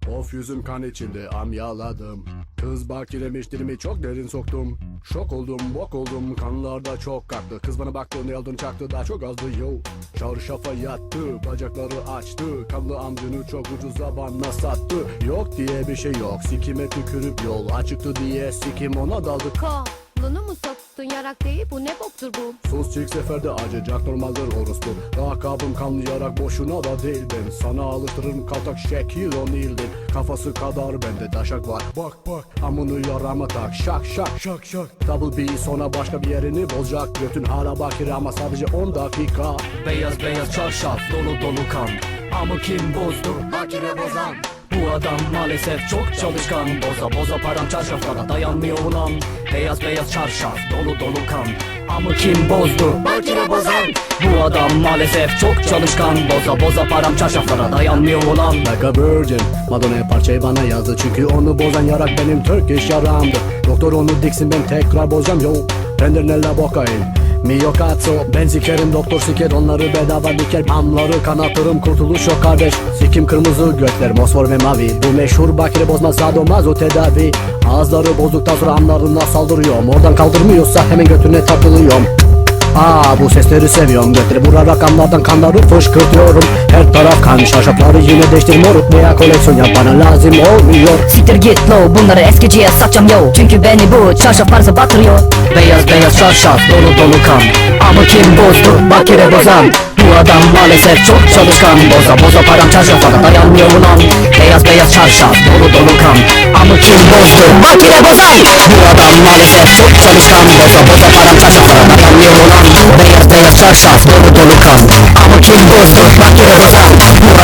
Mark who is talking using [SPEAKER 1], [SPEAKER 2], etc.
[SPEAKER 1] Of yüzüm kan içinde amyaladım. Kız bakiremiştirimi çok derin soktum. Şok oldum bok oldum kanlarda çok kalktı. Kız bana baktı ne aldığını çaktı daha çok azdı yo. Çarşafa yattı bacakları açtı. Kanlı amcını çok ucuza bana sattı. Yok diye bir şey yok sikime tükürüp yol açıktı diye sikim ona daldı.
[SPEAKER 2] Kolunu mu soktun yarak değil bu ne boktur bu?
[SPEAKER 1] Sus çift seferde acıyacak normaldir orospu. Lakabım kanlayarak boşuna da değil ben. Sana alıştırırım kaltak şekil o nildin. Kafası kadar bende daşak var. Bak bak amını yarama tak şak şak şak şak. Double B sonra başka bir yerini bozacak. Götün hala bakir ama sadece 10 dakika.
[SPEAKER 3] Beyaz beyaz çarşaf dolu dolu kan. Amı kim bozdu?
[SPEAKER 2] Bakire bozan.
[SPEAKER 3] Bu adam maalesef çok çalışkan. Boza boza param çarşaflara dayanmıyor ulan. Beyaz beyaz çarşaf dolu dolu kan. Amı kim bozdu?
[SPEAKER 2] Bakire bozan.
[SPEAKER 3] Bu adam maalesef çok çalışkan. Boza boza param çarşaflara dayanmıyor ulan.
[SPEAKER 1] Like a virgin Madonna parçayı bana yazdı. Çünkü onu bozan yarak benim Turkish yaramdı. Doktor onu diksin ben tekrar bozacağım yo. Render nella bokayım Mio cazzo ben sikerim doktor siker onları bedava diker. Amları kanatırım kurtuluş yok kardeş. Sikim kırmızı gökler mosfor ve mavi. Bu meşhur bakire bozma sadomazo tedavi. Ağızları bozduktan sonra amlarına saldırıyorum. Oradan kaldırmıyorsa hemen götüne takılıyorum. Bu sesleri seviyorum. Götüre vura rakamlardan kanları fışkırtıyorum. Her taraf kan şarşafları yine değiştir moruk. Veya koleksiyon yap bana lazım olmuyor.
[SPEAKER 4] Siktir git low bunları eskiciye satacağım yo. Çünkü beni bu çarşaf parası batırıyor.
[SPEAKER 3] Beyaz beyaz çarşaf dolu dolu kan. Amı kim bozdu? Bakire bozan. Bu adam maalesef çok çalışkan. Boza boza param çarşaflara dayanmıyor ulan. Beyaz beyaz çarşaf dolu dolu kan. Amı kim bozdu? Bakire bozan. Bu adam maalesef çok çalışkan. Boza boza param çarşaflara dayanmıyor ulan. Beyaz beyaz çarşaf dolu dolu kan. Amı kim bozdu? Bakire bozan. Bu